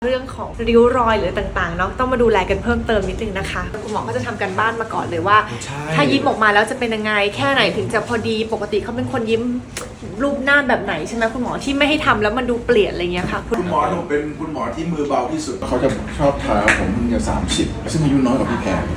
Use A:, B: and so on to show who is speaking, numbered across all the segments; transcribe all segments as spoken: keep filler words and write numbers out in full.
A: เรื่องของริ้วรอยหรือต่างๆเนาะต้องมาดูแลกันเพิ่มเติมนิดนึงนะคะคุณหมอก็จะทำกันบ้านมาก่อนเลยว่าถ้ายิ้มออกมาแล้วจะเป็นยังไงแค่ไหนถึงจะพอดีปกติเขาเป็นคนยิ้มรูปหน้าแบบไหนใช่ไหมคุณหมอที่ไม่ให้ทำแล้วมันดูเปลี่ยนอะไรเงี้ยค่ะ
B: คุณหมอหนูเป็นคุณหมอที่มือเบาที่สุดเขาจะชอบท้าผมเพิ่งจะสามสิบซึ่งอายุน้อยกว่าพี่แพร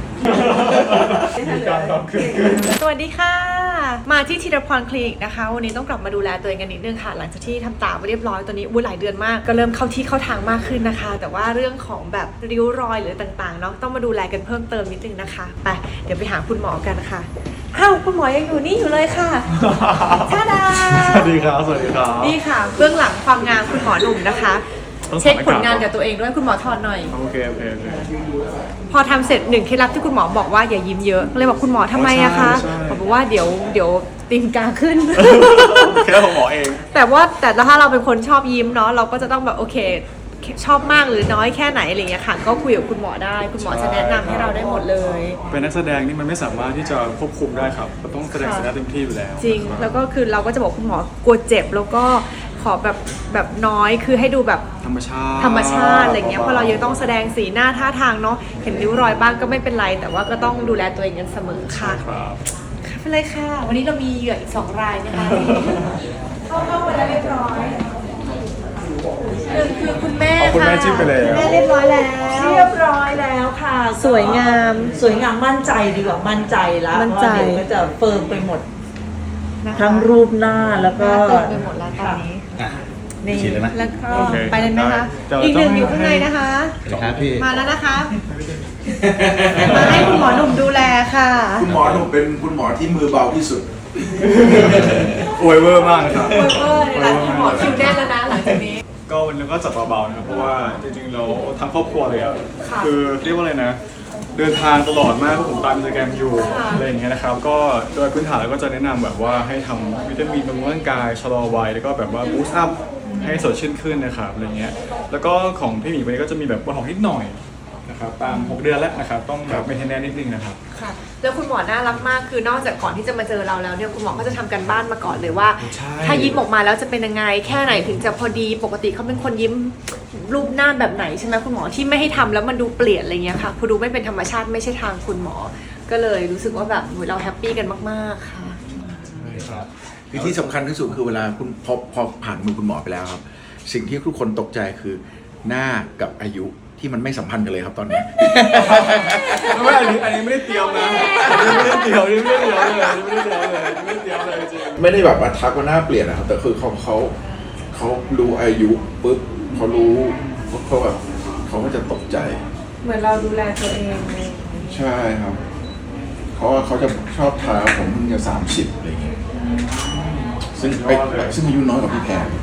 A: สวัสดีค่ะมาที่ธีรพรคลินิกนะคะวันนี้ต้องกลับมาดูแลตัวเองกันนิดนึงค่ะหลังจากที่ทำตาไปเรียบร้อยตอนนี้อุ้ยหลายเดือนมากก็เริ่มเข้าที่เข้าทางมากขึ้นนะคะแต่ว่าเรื่องของแบบริ้วรอยหรือต่างๆเนาะต้องมาดูแลกันเพิ่มเติมนิดนึงนะคะไปเดี๋ยวไปหาคุณหมอกันค่ะอ้าวคุณหมอยังอยู่นี่อยู่เลยค่ะท่าดา
C: สวัสดีครับสวัสดีครับ
A: นี่ค่ะเบื้องหลังความงามคุณหมอหนุ่มนะคะเช็คผลงานกับตัวเองด้วยคุณหมอถอดหน่อย
C: โอเคโอเคโอเค
A: พอทำเสร็จหนึ่งเคล็ดลับที่คุณหมอบอกว่าอย่ายิ้มเยอะเลยบอกคุณหมอทำไมอะคะผมบอกว่าเดี๋ยวเดี๋ยวตีนกาขึ้น
C: แค่ของหมอเอง
A: แต่ว่าแต่ถ้าเราเป็นคนชอบยิ้มเนาะเราก็จะต้องแบบโอเคชอบมากหรือน้อยแค่ไหนอะไรเงี้ยค่ะก็คุยกับคุณหมอได้คุณหมอจะแนะนำให้เราได้หมดเลย
C: เป็นนักแสดงนี่มันไม่สามารถที่จะควบคุมได้ครับเราต้องแสดงศักยภาพเต็มที่อยู่แล้ว
A: จริงแล้วก็คือเราก็จะบอกคุณหมอกลัวเจ็บแล้วก็ขอแบบแบบน้อยคือให้ดูแบบ
C: ธรรมชาติ
A: ธรรมชาติอะไรเงี้ยเพราะเรายังต้องแสดงสีหน้าท่าทางเนาะเห็นริ้วรอยบ้างก็ไม่เป็นไรแต่ว่าก็ต้องดูแลตัวเองกันเสมอค่ะ
C: ครับ
A: ไปเลยค่ะวันนี้เรามีเหยื่ออีกสองรายนะคะเข้าเข้าไปแล้วเรียบร้อยหนึ่งคือคุณแม่ค่ะ
C: คุณแม่จิ้มไปเลย
A: แม่เรียบร้อยแล้ว
D: เรียบร้อยแล้วค่ะ
A: สวยงาม
D: สวยงามมั่นใจดีกว่ามั่นใจแล้ว
A: มั่นใจ
D: เดี๋ยวก็จะเฟิร์มไปหมดทั้งรูปหน้าแล้วก็
A: ตรงไปหมดแล้วตอนนี้นี่แล้วก็ไปเลยไหมคะอีกหนึ่งอยู่ข้างในนะคะมาแล้วนะคะมาให้คุณหมอหนุ่มดูแลค่ะ
B: คุณหมอหนูเป็นคุณหมอที่มือเบาที่สุด
C: อวยเวอร์มากนะครับ
A: อวยเวอร์เลยนะคุณหมอคิวแน่นแล้วนะหลังจากนี้
C: ก็วันนี้ก็จัดเบาๆนะครับเพราะว่าจริงๆเราทั้งครอบครัวเลยอ่ะคือเรียกว่าอะไรนะเดินทางตลอดมากเพราะผมตามอินสตาแกรมอยู่อะไรอย่างเงี้ยนะครับก็โดยพื้นฐานเราก็จะแนะนำแบบว่าให้ทำวิตามินบำรุงร่างกายชะลอวัยแล้วก็แบบว่าบูสต์อัพให้สดชื่นขึ้นนะครับอะไรเงี้ยแล้วก็ของพี่หมีวันนี้ก็จะมีแบบบนหอมนิดหน่อยนะครับตามหกเดือนแล้วนะครับต้องแบบเมนเทนแนนซ์นิดนึงนะครับ
A: ค่ะแล้วคุณหมอน่ารักมากคือนอกจากก่อนที่จะมาเจอเราแล้วเนี่ยคุณหมอก็จะทำกันบ้านมาก่อนเลยว่าถ้ายิ้มออกมาแล้วจะเป็นยังไงแค่ไหนถึงจะพอดีปกติเขาเป็นคนยิ้มรูปหน้าแบบไหนใช่ไหมคุณหมอที่ไม่ให้ทำแล้วมันดูเปลี่ยนอะไรเงี้ยค่ะพอดูไม่เป็นธรรมชาติไม่ใช่ทางคุณหมอก็เลยรู้สึกว่าแบบเราแฮปปี้กันมากๆค่ะ
B: คือที่สำคัญที่สุดคือเวลาคุณพอพอผ่านมือคุณหมอไปแล้วครับสิ่งที่ทุกคนตกใจคือหน้ากับอายุที่มันไม่สัมพันธ์กันเลยครับตอนนี้
C: ไม่อันนี้อันนี้ไม่ได้เตรียมนะไม่ได้เตรียมไม่ได้เตรียมเลยไม่ได้เตรียมเลยไม่ได้เตรียมเลยจริง
B: ไม่ได้แบบว่าทักว่าหน้าเปลี่ยนนะครับแต่คือเขาเขาเขารู้อายุปุ๊บเขารู้เขาแบบเขาก็จะตกใจ
A: เหมือนเราดูแลตัวเอง
B: ใช่ครับเขาเขาจะชอบท้าผมเพิ่งจะสามสิบอะไรเงี้ยซึ่งซึ่งอายุน้อยกว่าพี่แพร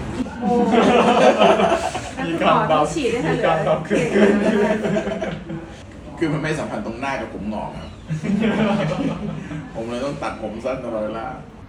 C: มีการเบามีการเบาขึ้น
B: คือมันไม่สัมพันธ์ตรงหน้ากับผมงอกครับผมเลยต้องตัดผมสั้นตลอดเวลา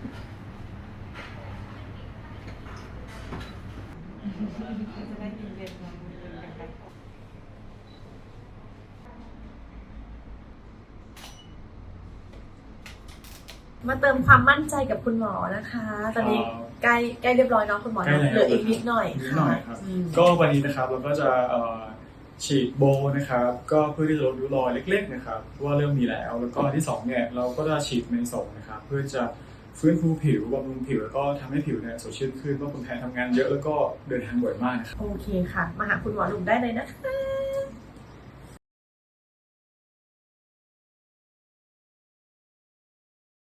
A: มาเติมความมั่นใจกับคุณหมอนะคะตอนนี้ใกล้ใกล้เรียบร้อยเนาะคุณหมอเหลืออีกนิดหน่อย
C: นิดหน่อยครับก็วันนี้นะครับเราก็จะฉีดโบนะครับก็เพื่อที่จะลดริ้วรอยเล็กๆนะครับว่าเริ่มมีแล้วแล้วก็ที่สองเนี่ยเราก็จะฉีดเมโซนะครับเพื่อจะฟื้นฟูผิวบำรุงผิวแล้วก็ทำให้ผิวเนี่ยสดชื่นขึ้นเพราะคนไทยทำงานเยอะแล้วก็เดินทางบ่อยมากนะครับ
A: โอเคค่ะมาหาคุณหมอหนุ่มได้เลยนะคะ